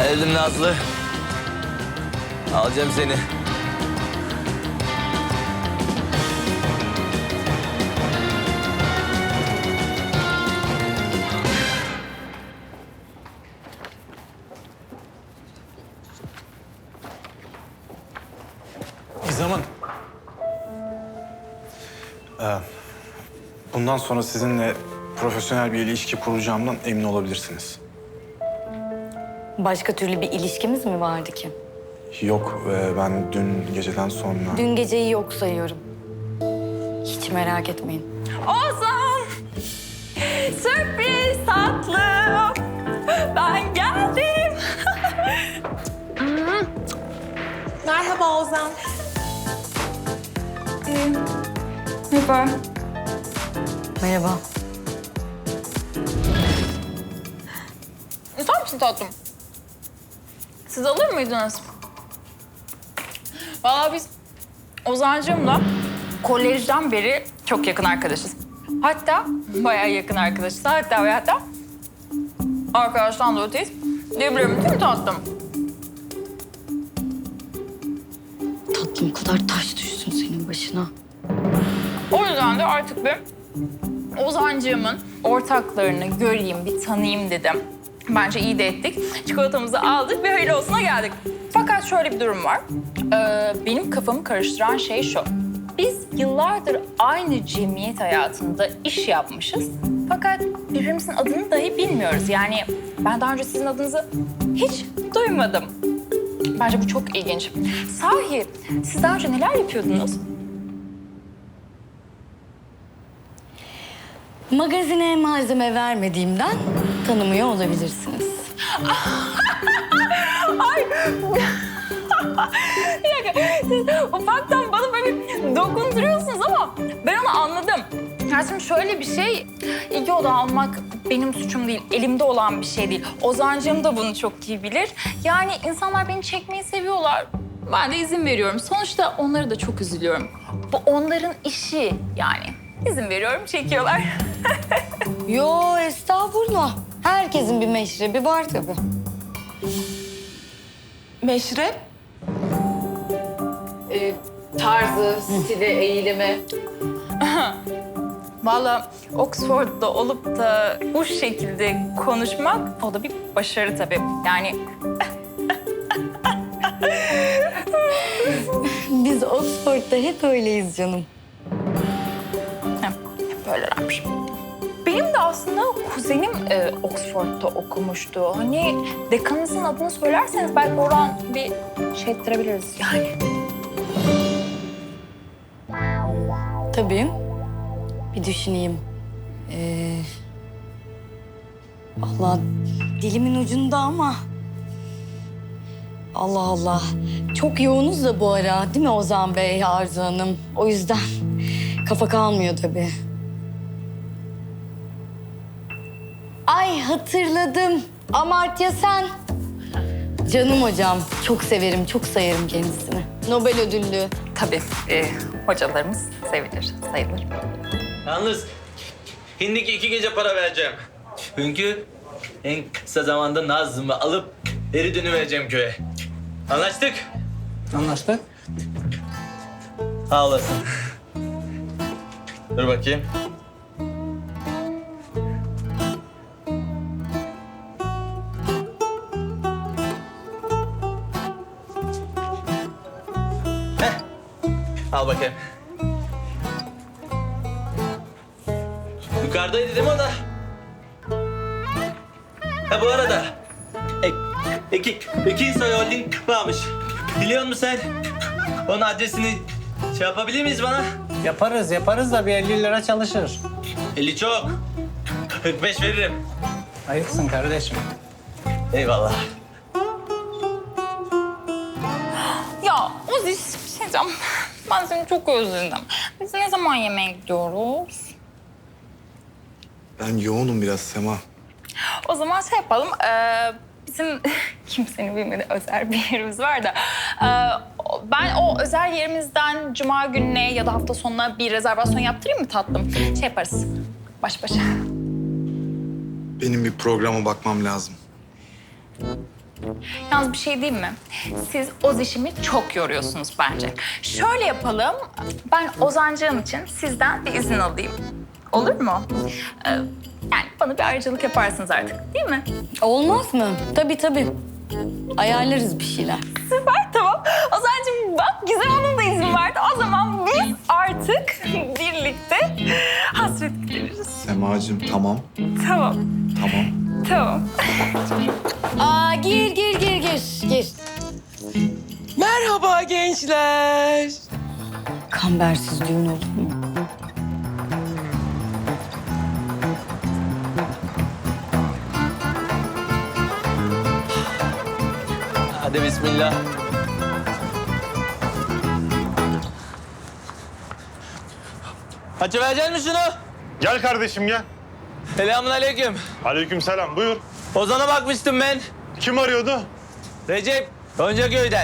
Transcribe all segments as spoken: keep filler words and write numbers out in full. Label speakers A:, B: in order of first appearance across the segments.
A: Geldim Nazlı. Alacağım seni.
B: Zaman. Ee, bundan sonra sizinle profesyonel bir ilişki kuracağımdan emin olabilirsiniz.
C: Başka türlü bir ilişkimiz mi vardı ki?
B: Yok, e, ben dün geceden sonra...
C: Dün geceyi yok sayıyorum. Hiç merak etmeyin.
D: Ozan! Sürpriz tatlım! Ben geldim.
E: Merhaba Ozan.
D: Merhaba.
C: Merhaba.
D: İster misin tatlım? Siz alır mıydınız? Vallahi biz Ozan'cığımla kolejden beri çok yakın arkadaşız. Hatta bayağı yakın arkadaşız. Hatta ve hatta arkadaştan da öteyiz. Diyebilirim değil mi tatlım?
C: Tatlım kadar taş düşsün senin başına.
D: O yüzden de artık bir Ozan'cığımın ortaklarını göreyim, bir tanıyayım dedim. Bence iyi de ettik. Çikolatamızı aldık, bir hayırlı olsuna geldik. Fakat şöyle bir durum var. Ee, benim kafamı karıştıran şey şu. Biz yıllardır aynı cemiyet hayatında iş yapmışız. Fakat birbirimizin adını dahi bilmiyoruz. Yani ben daha önce sizin adınızı hiç duymadım. Bence bu çok ilginç. Sahi, siz daha önce neler yapıyordunuz?
C: Magazine malzeme vermediğimden tanımıyor olabilirsiniz.
D: Ay! Bir dakika, siz ufaktan bana böyle bir dokunduruyorsunuz ama ben onu anladım. Ya şimdi şöyle bir şey, ilgi odağı almak benim suçum değil, elimde olan bir şey değil. Ozan'cığım da bunu çok iyi bilir. Yani insanlar beni çekmeyi seviyorlar. Ben de izin veriyorum. Sonuçta onlara da çok üzülüyorum. Bu onların işi yani. İzin veriyorum, çekiyorlar.
C: Yo estağfurullah. Herkesin bir meşrebi var tabii.
E: Meşrep.
F: Ee, tarzı, stili, eğilimi.
D: Vallahi Oxford'da olup da bu şekilde konuşmak o da bir başarı tabii. Yani
C: Biz Oxford'da hep öyleyiz canım.
D: hep böylelermiş. Benim de aslında kuzenim e, Oxford'da okumuştu. Hani dekanınızın adını söylerseniz belki oradan bir şey ettirebiliriz yani.
C: Tabii. Bir düşüneyim. Ee, Allah dilimin ucunda ama... Allah Allah. Çok yoğunuz da bu ara değil mi Ozan Bey, Arzu Hanım? O yüzden kafa kalmıyor tabii. Ay hatırladım. Amartya Sen. Canım hocam. Çok severim, çok sayarım kendisini. Nobel ödüllü.
D: Tabii e, hocalarımız sevilir, sayılır.
A: Yalnız hindiki iki gece para vereceğim. Çünkü en kısa zamanda Nazlı'mı alıp geri dönüvereceğim köye. Anlaştık?
G: Anlaştık.
A: Sağ olasın. Dur bakayım. Heh. Al bakayım. Yukarıdaydı değil mi o da? Ha bu arada ek, iki, iki soy holding varmış. Biliyor musun sen? Onun adresini şey yapabilir miyiz bana?
G: Yaparız, yaparız da bir elli lira çalışır.
A: elli çok. kırk beş veririm.
G: Ayıpsın kardeşim.
A: Eyvallah.
D: Ya Ozi bir şey diyeceğim. Ben seni çok özledim. Biz ne zaman yemeğe gidiyoruz?
B: Ben yoğunum biraz Sema.
D: O zaman şey yapalım. Ee, bizim kimsenin bilmediği özel bir yerimiz var da. Ee, ben o özel yerimizden cuma gününe ya da hafta sonuna bir rezervasyon yaptırayım mı tatlım? Şey yaparız. Baş başa.
B: Benim bir programa bakmam lazım.
D: Yalnız bir şey diyeyim mi? Siz Oziş'imi çok yoruyorsunuz bence. Şöyle yapalım. Ben Ozancığım için sizden bir izin alayım. Olur mu? Ee, yani bana bir ayrıcalık yaparsınız artık, değil mi?
C: Olmaz mı? Tabii tabii. Ayarlarız bir şeyler.
D: Süper, tamam. Ozancığım bak Gizem Hanım da izin verdi. O zaman biz artık birlikte hasret gideririz.
B: Semacığım tamam.
D: Tamam,
B: Tamam.
D: tamam.
C: Aa gir gir gir gir gir.
H: Merhaba gençler.
C: Kambersiz düğün olur mu?
A: Hadi bismillah. Açıverecek misin şunu?
I: Gel kardeşim gel.
A: Selamun aleyküm.
I: Aleykümselam buyur.
A: Ozan'a bakmıştım ben.
I: Kim arıyordu?
A: Recep, Goncaköy'den.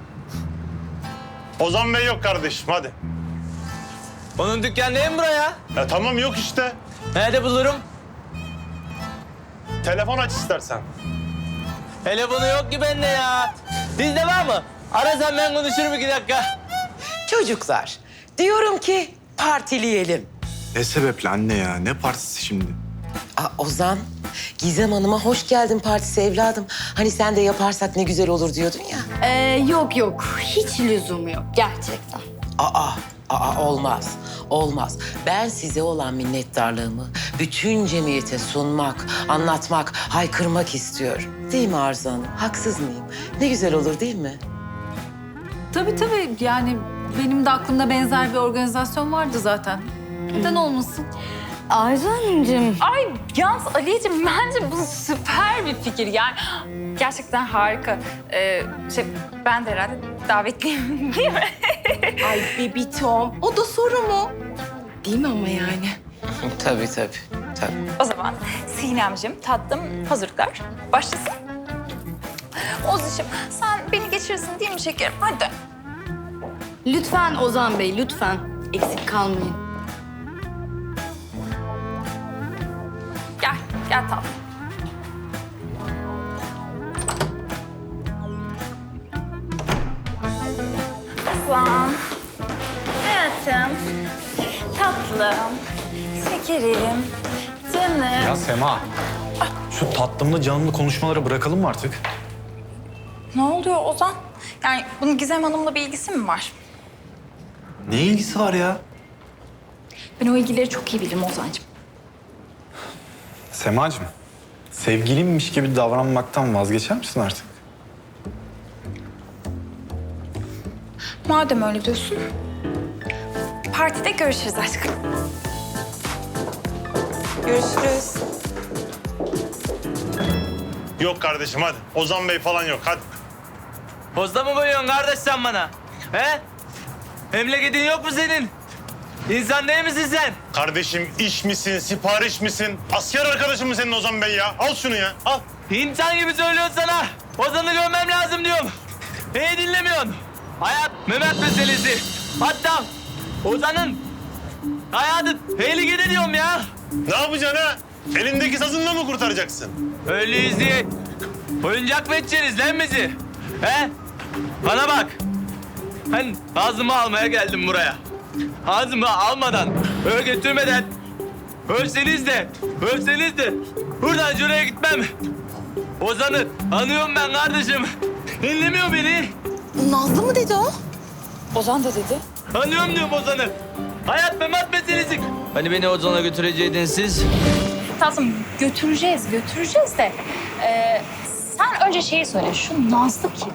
I: Ozan Bey yok kardeşim hadi.
A: Onun dükkanı değil mi buraya?
I: Ya tamam yok işte.
A: Nerede bulurum?
I: Telefon aç istersen.
A: Telefonu yok ki bende ya. Bizde var mı? Arasan ben konuşurum iki dakika.
H: Çocuklar, diyorum ki partileyelim.
B: Ne sebeple anne ya? Ne partisi şimdi?
H: Aa, Ozan, Gizem Hanım'a hoş geldin partisi evladım. Hani sen de yaparsak ne güzel olur diyordun ya.
C: Ee, yok yok. Hiç lüzum yok gerçekten.
H: Aa, aa olmaz, olmaz. Ben size olan minnettarlığımı bütün cemiyete sunmak, anlatmak, haykırmak istiyorum. Değil mi Arzu Hanım? Haksız mıyım? Ne güzel olur değil mi?
J: Tabii tabii. Yani benim de aklımda benzer bir organizasyon vardı zaten. Neden olmasın?
C: Arzu Hanımcığım.
D: Ay yalnız Aliyeciğim bence bu süper bir fikir. Yani gerçekten harika. Ee, şey, ben de herhalde davetliyim değil mi?
E: Ay bebitom, o da soru mu? Değil mi ama yani?
H: Tabii tabii, tabii.
D: O zaman Sinemciğim tatlım hazırlıklar başlasın. Oziş'im sen beni geçirirsin değil mi şekerim? Hadi.
C: Lütfen Ozan Bey, lütfen. Eksik kalmayın.
D: Gel, gel tatlım. Aslan. Hayatım. Tatlım. Şekerim. Canım.
B: Ya Sema. Şu tatlımlı canımlı konuşmaları bırakalım mı artık?
D: Ne oluyor Ozan? Yani bunun Gizem Hanım'la bir ilgisi mi var?
B: Ne ilgisi var ya?
D: Ben o ilgileri çok iyi bilirim Ozan'cığım.
B: Semacığım, sevgilimmiş gibi davranmaktan vazgeçer misin artık?
D: Madem öyle diyorsun, partide görüşürüz aşkım.
E: Görüşürüz.
I: Yok kardeşim hadi. Ozan Bey falan yok hadi.
A: Posta mı koyuyorsun kardeş sen bana? He? Memleketin yok mu senin? İnsan değil misin sen?
I: Kardeşim iş misin, sipariş misin? Asker arkadaşın mı senin Ozan Bey ya? Al şunu ya al.
A: İnsan gibi söylüyorsun sana. Ozan'ı görmem lazım diyorum. Neyi dinlemiyorsun? Hayat Mehmet meselesi. Hatta Ozan'ın hayatı tehlikede diyorum ya.
I: Ne yapacaksın ha? Elindeki sazınla mı kurtaracaksın?
A: Öyleyiz diye oyuncak mı edeceksiniz lan bizi? He? Bana bak. Ben ağzımı almaya geldim buraya. Ağzımı almadan, öyle götürmeden ölseniz de, ölseniz de buradan şuraya gitmem. Ozan'ı anıyorum ben kardeşim. Dinlemiyor beni.
E: Nazlı mı dedi o?
D: Ozan da dedi.
A: Anıyorum diyorum Ozan'ı. Hayat memat meselesi. Hani beni Ozan'a götüreceydiniz siz?
D: Tatlım götüreceğiz, götüreceğiz de. Ee, sen önce şeyi söyle, şu Nazlı kim?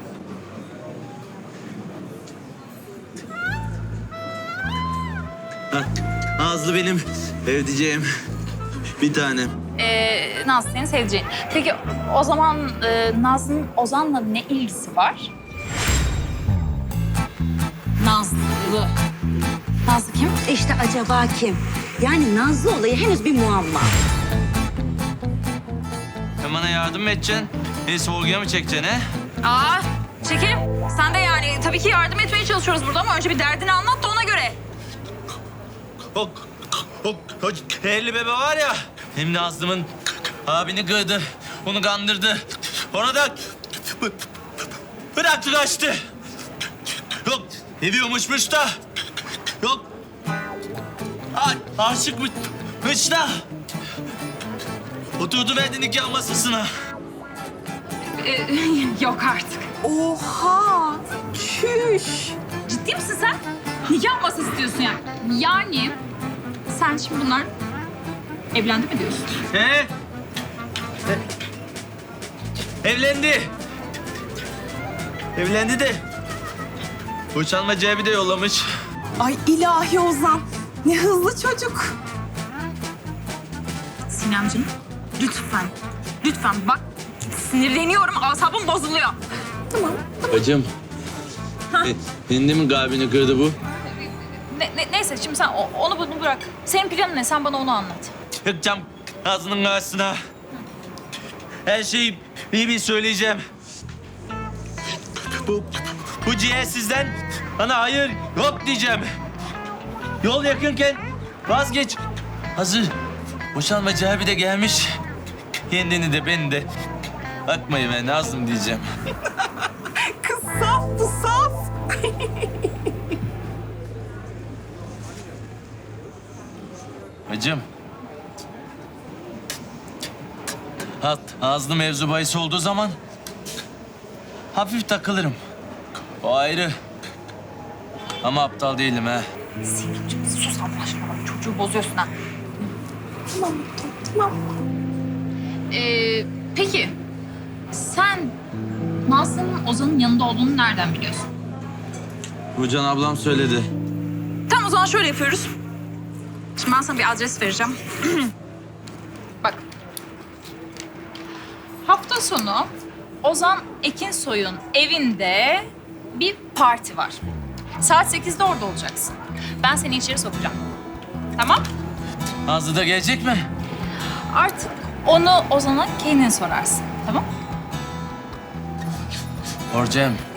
A: Nazlı benim evdeceğim. Bir tane.
D: Ee, Nazlı senin sevdiceğin. Peki o zaman e, Nazlı'nın Ozan'la ne ilgisi var? Nazlı. Nazlı kim?
C: İşte acaba kim? Yani Nazlı olayı henüz bir muamma.
A: Sen bana yardım mı edeceksin? Beni sorguya mı çekeceksin he?
D: Aa, çekelim. Sen de yani tabii ki yardım etmeye çalışıyoruz burada ama önce bir derdini anlat da ona göre.
A: O, o, o elli bebe var ya. Hem Nazlı'mın abini kırdı. Onu kandırdı. Ona da Bıraktı kaçtı. Yok seviyormuşmuş da. Yok a- aşıkmış da. Oturdu verdi nikah masasına.
D: Ee, yok artık.
E: Oha! Çüş!
D: Ciddi misin sen? Nikah masası istiyorsun yani. Yani sen şimdi bunlar evlendi mi diyorsun?
A: He? Evlendi. Evlendi de. Boşanma cebi de yollamış.
E: Ay ilahi Ozan. Ne hızlı çocuk.
D: Sinemciğim lütfen. Lütfen bak sinirleniyorum. Asabım bozuluyor.
A: Bacım. E, senin de mi kalbini kırdı bu?
D: Ne, ne- neyse şimdi sen o- onu bunu bırak. Senin planın ne? Sen bana onu anlat.
A: Yakacağım ağzının karşısına. Her şeyi iyi bir söyleyeceğim. Bu, bu ciğersizden bana hayır yok diyeceğim. Yol yakınken vazgeç. Hazır boşanma cebi de gelmiş. Kendini de beni de bakmayın ben Nazım diyeceğim.
E: Kız saf bu saf.
A: Hacım. Hat, ağzlı mevzu bahis olduğu zaman hafif takılırım. O ayrı. Ama aptal değilim ha.
D: Sinemciğim sus Allah aşkına bak çocuğu bozuyorsun ha.
E: Tamam tamam.
D: Ee, peki sen Nazlı'nın Ozan'ın yanında olduğunu nereden biliyorsun?
A: Rucan ablam söyledi.
D: Tamam o zaman şöyle yapıyoruz. Şimdi ben sana bir adres vereceğim. Bak. Hafta sonu Ozan Ekinsoy'un evinde bir parti var. Saat sekizde orada olacaksın. Ben seni içeri sokacağım. Tamam?
A: Nazlı da gelecek mi?
D: Artık onu Ozan'a kendin sorarsın. Tamam?
A: Orcem,